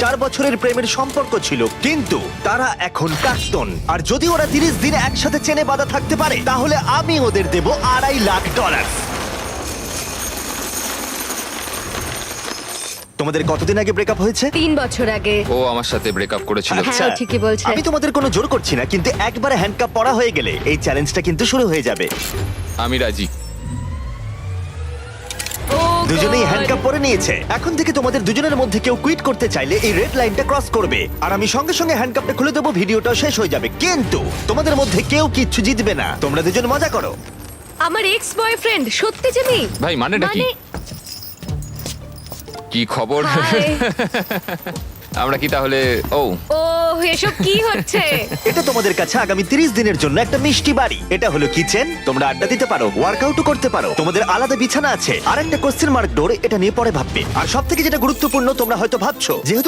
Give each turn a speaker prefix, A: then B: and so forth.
A: 4 বছরের প্রেমের সম্পর্ক ছিল, কিন্তু তারা এখন প্রাক্তন। আর যদি ওরা 30 দিন একসাথে চেনে বাঁধা থাকতে পারে, তাহলে আমি ওদের দেব $2.5 লাখ। তোমাদের কতদিন আগে ব্রেকআপ হয়েছে?
B: 3 বছর আগে।
C: ও আমার সাথে ব্রেকআপ করেছিল।
A: আচ্ছা।
B: হ্যাঁ, ও ঠিকই বলছে।
A: আমি তোমাদের কোনো জোর করছি না, কিন্তু একবারে হ্যান্ডকাপ পরা হয়ে গেলে এই চ্যালেঞ্জটা কিন্তু শুরু হয়ে যাবে।
C: আমি রাজি।
B: ও
A: দুজনেই
B: God!
A: হ্যান্ডকাপ পরে নিয়েছে। এখন থেকে তোমাদের দুজনের মধ্যে কেউ কুইট করতে চাইলে এই রেড লাইনটা ক্রস করবে, আর আমি সঙ্গে সঙ্গে হ্যান্ডকাপটা খুলে দেবো, ভিডিওটা শেষ হয়ে যাবে। কিন্তু তোমাদের মধ্যে কেউ কিচ্ছু জিতবে না। তোমরা দুজন মজা করো।
B: আমার এক্স বয়ফ্রেন্ড সত্যি জিমি।
C: ভাই, মানেটা কি? কি খবর?
B: হাই।
C: আমরা কি তাহলে? ও
B: ও এসব কি হচ্ছে?
A: এটা তোমাদের কাছে আগামী 30 দিনের জন্য একটা মিষ্টি বাড়ি। এটা হলো কিচেন, তোমরা আড্ডা দিতে পারো, ওয়ার্কআউটও করতে পারো, তোমাদের আলাদা বিছানা আছে, আর একটা কোশ্চেন মার্ক ডোর, এটা নিয়ে পরে ভাববে। আর সবথেকে যেটা গুরুত্বপূর্ণ, তোমরা হয়তো ভাবছো যেহেতু